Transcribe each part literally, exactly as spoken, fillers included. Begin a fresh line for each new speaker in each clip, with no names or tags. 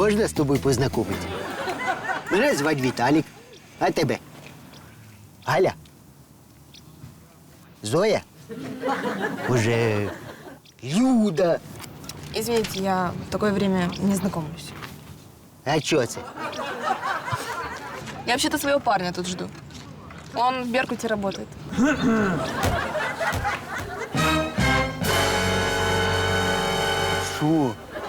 Можна з тобою познайомитися? Мене звати Віталік. А тебе? Галя? Зоя? Уже Люда?
Извините, я в такое время не знакомлюсь.
А чого це?
Я вообще-то своего парня тут жду. Он в Беркуте работает.
Що?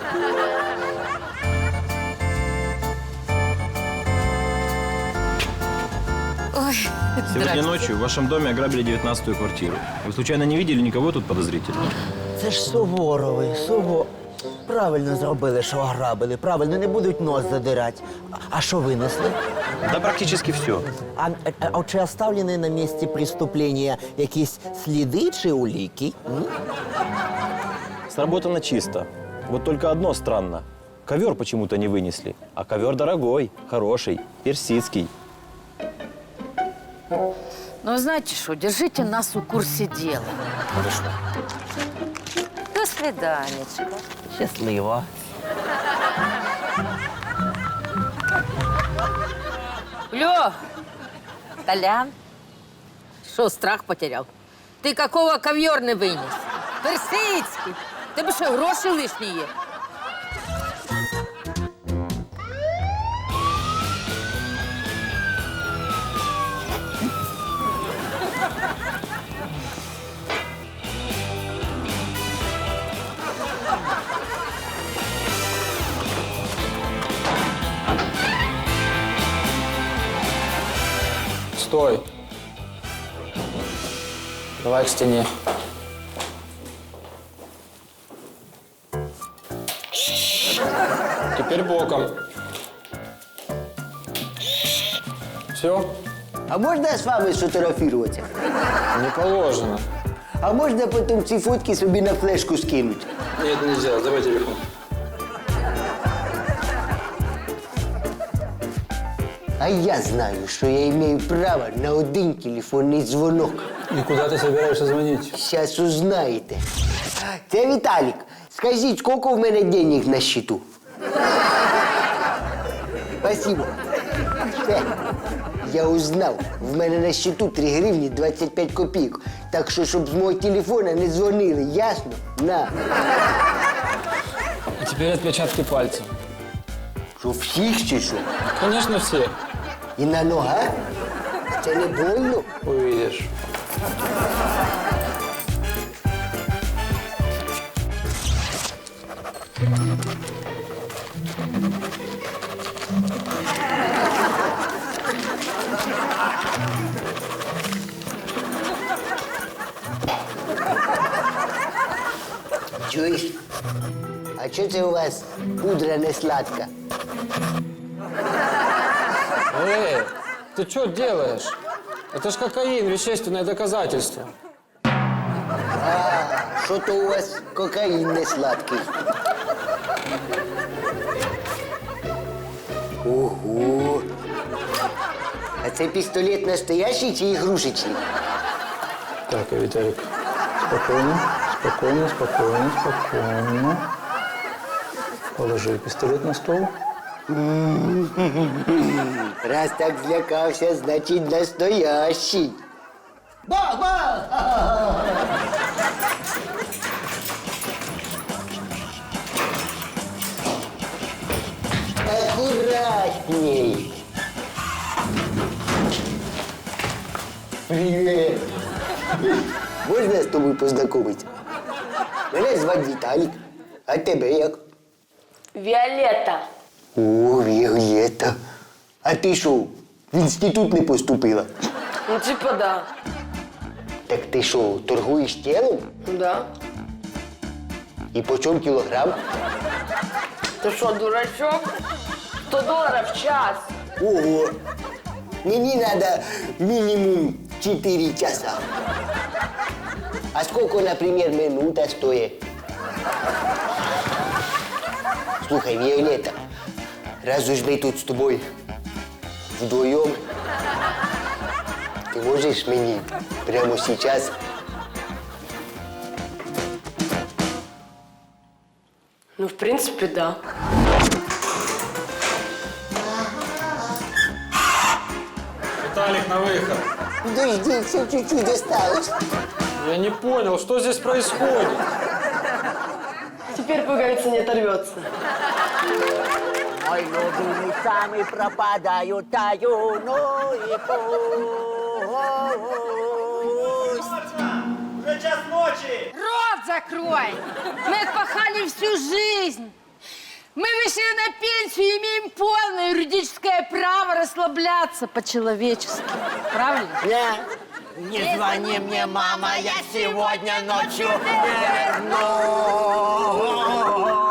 Ой,
Сегодня ночью в вашем доме ограбили девятнадцатую квартиру. Вы случайно не видели никого тут подозрительного?
Це ж Суворови, Суво. Правильно зробили, що ограбили. Правильно, не будуть нос задирати. А- А що винесли?
Да практически все.
А, а, а чи оставлені на місці преступлення якісь сліди чи уліки? М?
Сработано чисто. Вот только одно странно. Ковер почему-то не вынесли. А ковер дорогой, хороший, персидский.
Ну, знаете что, держите нас у курсе дела. До свиданечка.
Щасливо.
Лё, Толян, что, страх потерял? Ты какого ковер не вынес? Персидский. Тебе що, гроші лишні є?
Стой. Давай к стене. Теперь боком. Все?
А можна з вами сфотографуватися?
Не положено.
А можна потім ці фотки собі на флешку скинути?
Нет, нельзя. Давай телефон.
А я знаю, що я маю право на один телефонний дзвонок.
И куда ты собираешься звонить?
Зараз узнаєте. Це Віталік. Скажіть, скільки в мене денег на счету? Спасибо. Все. Я узнав. В мене на счету три гривні двадцять п'ять копійок. Так що, щоб з мого телефона не дзвонили, ясно? На.
И теперь отпечатки пальцев.
Що, всіх чи що?
Конечно, все.
І на ногах? Це не больно?
Увидишь.
Чуєш? А чого це у вас пудра не сладка?
Эй, ты что делаешь? Это ж кокаин, вещественное доказательство.
Що то у вас кокаїн не сладкий? Ого! А це пістолет настоящий чи ігрушечний?
Так, Виталик, спокойно, спокойно, спокойно, спокойно. Положи пистолет на стол.
Раз так злякався, значить настоящий. Бах-бах! Аккуратней. Привет. Можна з тобою познайомитися? Мене звати Віталік. А тебе як?
Віолетта.
О, Віолетта. А ти що, в інститут не поступила?
Ну, типа, да.
Так ти що, торгуєш тілом?
Да.
І по чому кілограм?
Ты что, дурачок? сто долларов в час.
Ого! Мені надо мінімум чотири часа. А сколько, например, минута стоит? Слухай, Виолетта, раз уж мы тут с тобой вдвоем, ты можешь мне прямо сейчас
Ну, в принципе, да.
Виталик, на выход.
Подожди, еще чуть-чуть осталось.
Я не понял, что здесь происходит?
Теперь пуговица не оторвется.
Ой, люди сами пропадают, таю, ну и пусть.
Рот закрой! Мы отпахали всю жизнь. Мы вышли на пенсию и имеем полное юридическое право расслабляться по-человечески. Правильно?
Не, не звони мне, мама, я сегодня ночью не вернусь.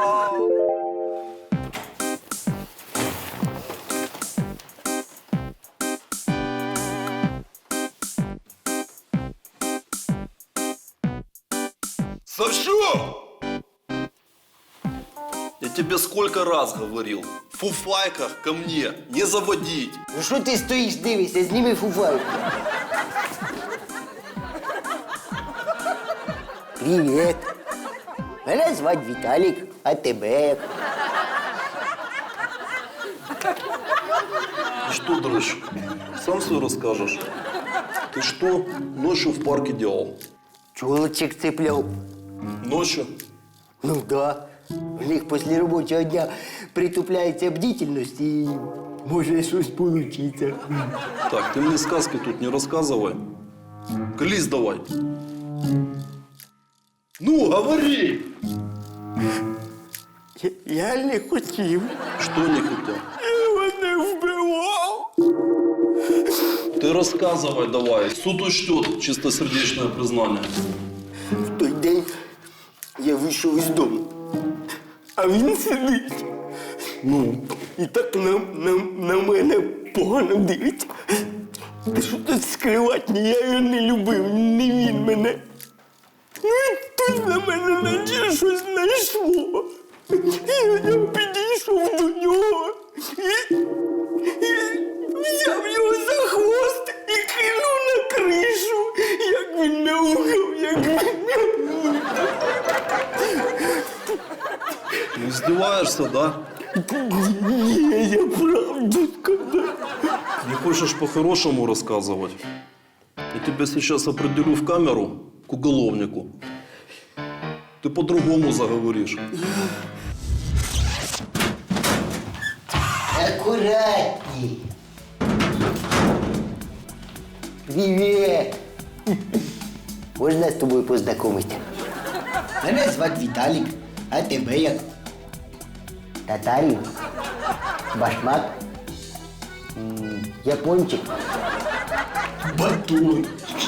Саша! Я тебе сколько раз говорил, в фуфайках ко мне не заводить.
Ну що ти стоїш, дивишся, зніми фуфайку. Привіт. Мене звати Віталік, а тебе як?
Что, дрыщ, сам все расскажешь? Ты что ночью в парке делал?
Чолочек цепляв.
Ночью?
Ну да. У них після робочого дня притупляється бдительність і може щось получиться.
Так, ты мне сказки тут не рассказывай. Колись давай. Ну, говори!
Я, я не хотів.
Что не хотел?
Я мене вбивав.
Ты рассказывай давай. Суд учтет чистосердечное признание.
В той день я вийшов із дому, а він сидить. Ну, і так на, на, на мене погано дивиться. Та що тут скривати, ні, я його не любив, не він мене. Ну і тут на мене наче щось знайшло. І я підійшов до нього і, і взяв його за хвост і кинув на кришу. Як він мяукав, як він мяукав.
Ну, издеваешься, да?
Ні, я правду сказав.
Не хочешь по-хорошему рассказывать? Я тебя сейчас определю в камеру к уголовнику. Ты по-другому заговоришь.
Аккуратней. Привет. Можна з тобою познайомитися? Мене звати Віталік, а тебе як? Татарин? Башмак? М, Япончик? Батон.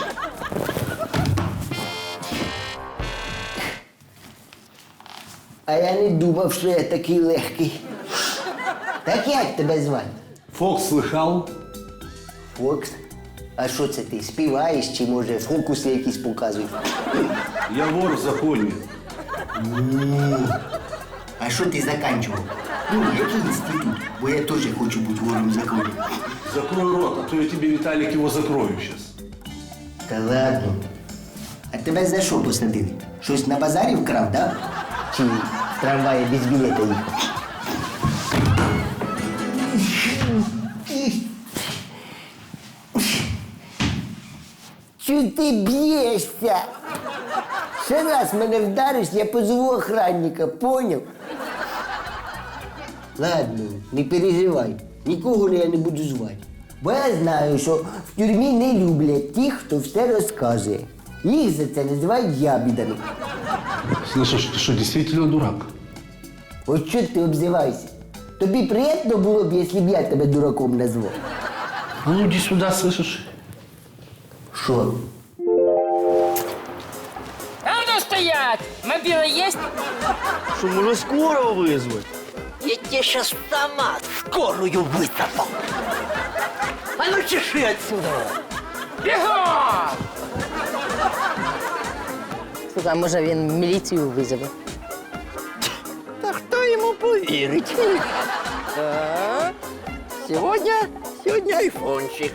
А я не думав, що я такий легкий. Так як тебе звати?
Фокс слыхал?
Фокс? А що це ти, співаєш чи, може, фокуси якісь показуєш?
Я вор в законе.
А що ти заканчував? Ну, який інститут? Бо я теж хочу бути вором закону.
Закрой рот, а то я тебе, Виталик, его закрою сейчас.
Та ладно. А тебе за що посадили? Щось на базарі вкрав, да? Чи в трамваї без білета їхав? Чого ти б'єшся? Ще раз мене вдариш, я позову охранника, поняв? Ладно, не переживай, нікого я не буду звати. Бо я знаю, що в тюрмі не люблять тих, хто все розказує. Їх за це називають ябідами.
Слышишь, ты что, действительно дурак?
От що ти обзиваєшся? Тобі приємно було б, якщо б я тебе дураком назвав?
А ну иди сюда, слышишь?
Що?
А ну стоять! Мобила есть?
Що, може, скоро визвати? Я тебе сейчас сама скорую высыпал. А ну чеши отсюда.
Бегом! Слухай, а може він міліцію визове?
Та хто йому повірить? А? Сьогодні, сьогодні айфончик.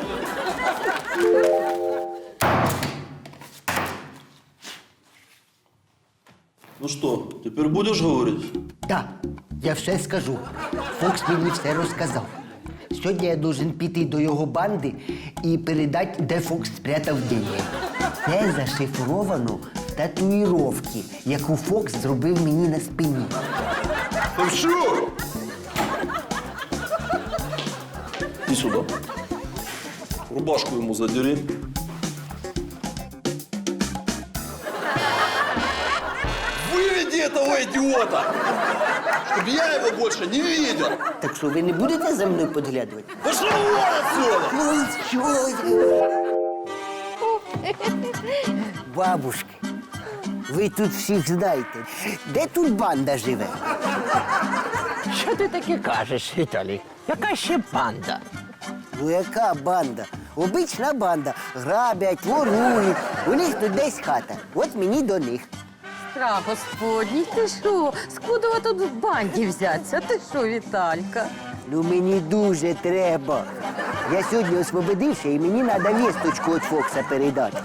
Ну что, теперь будешь говорить?
Так, я все скажу. Фокс мені все розказав.
Сьогодні я должен піти до його банди і передати, де Фокс спрятав деньги. Це зашифровано в татуїровці, яку Фокс зробив мені на спині.
Ну що? Иди сюда. Рубашку ему задери. Выведи этого идиота! Чтобы я его больше не видел!
Так що, ви не будете за мною підглядувати?
Пошел вон отсюда!
Ну що? Бабушки, ви тут всіх знаєте. Де тут банда живе?
Що ти таке кажеш, Віталій? Яка ще банда?
Ну яка банда? Обична банда. Грабять, ворують. У них тут десь хата. От мені до них.
Страх Господній, ти що? Скудова тут в банді взяться? Ти що, Віталька?
Ну мені дуже треба. Я сьогодні освободився і мені треба вісточку від Фокса передати.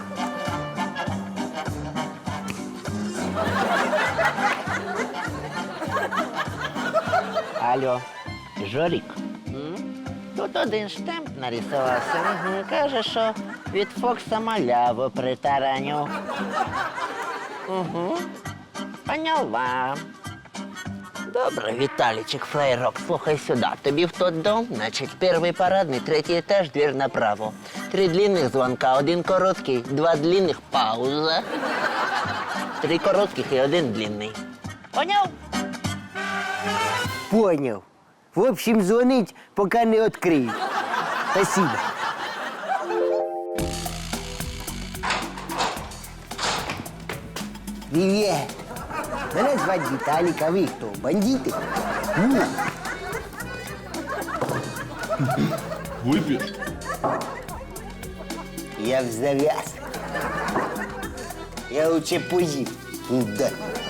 Алло, Жорік? Тут один штемп нарисувався. Угу. Каже, що від Фокса маляву притараню. Угу. Поняла. Добре, Віталічик, флейрок, слухай сюди. Тобі в тот дом, значить, перший парадний, третій етаж, двір направо. Три длинних дзвонка, один короткий, два длинних, пауза. Три коротких і один длинний. Поняв?
Поняв. В общем, дзвонить, поки не відкриють. Спасибо. Привіт. Мене звати Віталік, а ви хто? Бандити? Ні.
Выпьешь?
Я в зав'яз. Я лучше поїм. Да.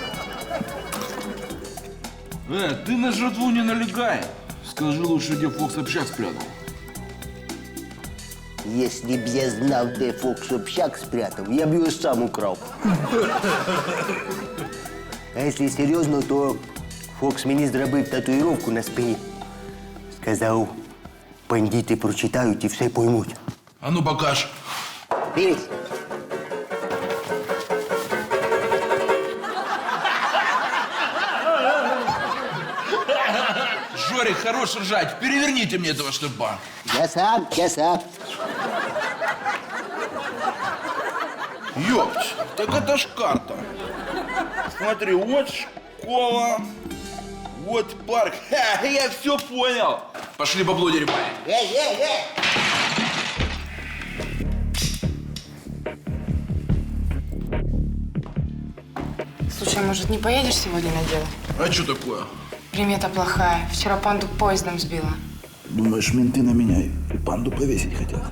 Э, ты на жратву не налегай. Скажи лучше, где Фокс общак спрятал.
Если б я знав, де Фокс общак спрятав, я б його сам украв. А якщо серйозно, то Фокс мені зробив татуїровку на спині. Сказав, бандити прочитають і все поймуть.
А ну покаж.
Дивись.
Жорик, хорош ржать. Переверните мне этого штыба.
Я сам, я сам.
Ёпть, так это ж карта. Смотри, вот школа, вот парк. Ха, я все понял. Пошли бабло дерьмали.
Е, е, е.
Слушай, может, не поедешь сегодня на дело?
А что такое?
Примета плохая. Вчера панду поездом сбила.
Думаешь, менты на меня и панду повесить хотят?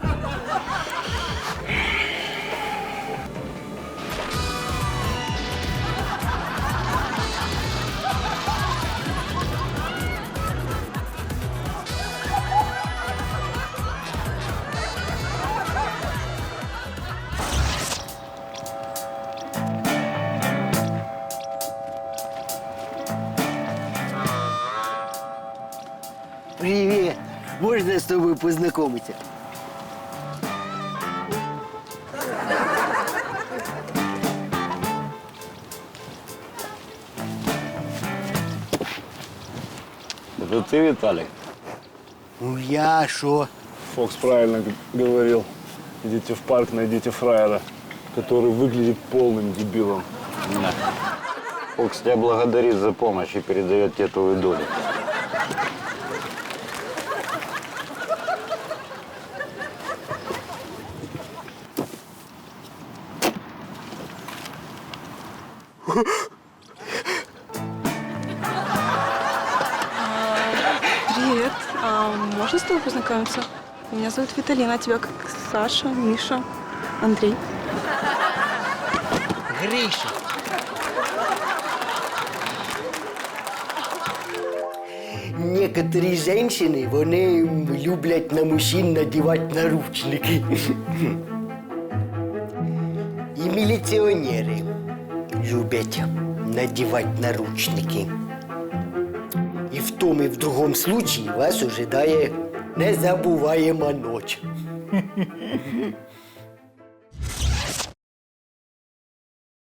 Привіт. Можна з тобою познайомитися?
Это ты, Виталик?
Ну я що?
Фокс правильно г- говорил. Идите в парк, найдите фраера, который выглядит полным дебилом.
Фокс тебя благодарит за помощь и передает тебе твою долю.
Привет. А можно с тобой познакомиться? Меня зовут Виталина, а тебя как Саша, Миша, Андрей.
Гриша. Некоторі жінки, вони люблять на мужчин надівати наручники. І міліціонери люблять надівати наручники. І в тому, і в другому случаї вас ожидає Незабуваєма ніч.